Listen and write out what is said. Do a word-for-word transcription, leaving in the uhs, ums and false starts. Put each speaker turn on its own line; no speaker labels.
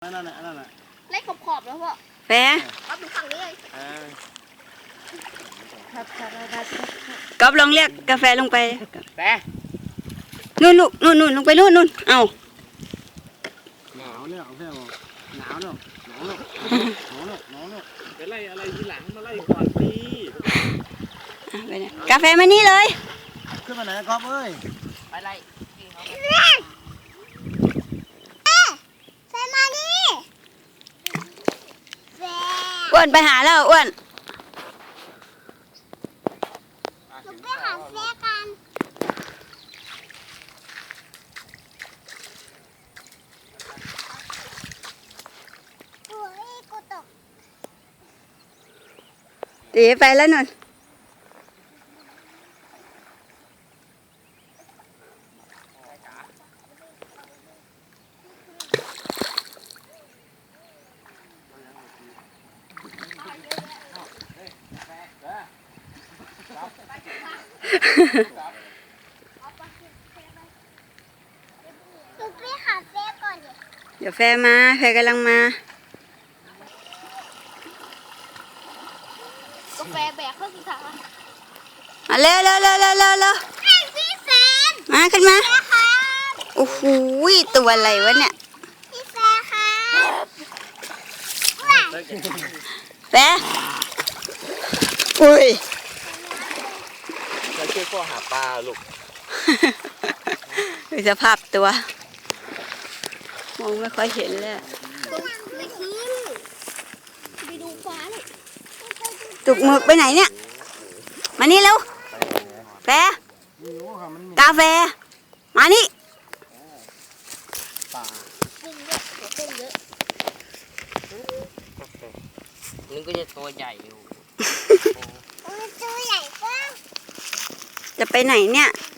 นั่นแหละนั่นแหละ
เล่นขอบขอบแล้วพ่อ
แฟร์
ก๊อฟดูฝั่งนี้เลย
ก๊อฟลองเรียกกาแฟลงไป
แฟร์
นู่นลูกนู่นนู่นลงไปนู่นนู่นเอา
หนาวเนี่ยเอาแค่บอกหนาวเนี่ยหนาวเนี่ยหนาวเนี่ยหนาวเนี่ยไปไล่อะไรทีหลังมาไล่ก่อนดี
ไปไหนกาแฟมานี่เลย
ขึ้นมาไหนก๊อฟเอ้ย
ไปไล่
อ้วนไปหาแล้วอ้วน
ไปหาแฟกันโอ้ยกูตก
ตีไปแล้วนุ่นเดี๋ยวแฟมาแฟกำลังมาก
าแฟแบกเข้าสิคะ
มาเร็วเร็วเร็วเร็วเร็วเร็ว
พี่แฟน
มาขึ้นมาโอ้โหตัวอะไรวะเนี่ย
พี่แฟนค่ะ
แฟอุ้ย
จะช่วยพ่อหาปลาลูก
ดูสภาพตัวมองไม่ค่อยเห็นเลย
ไม่ขึ้นไปดูฟ้าเลย
จุกหมึกไปไหนเนี่ยมานี่เร็วแฟกาแฟมานี่
กุ้งเยอะกุ้งเยอะ
นึกก็จะตัวใหญ่อยู่
ตัวใหญ่ก็
จะไปไหนเนี่ย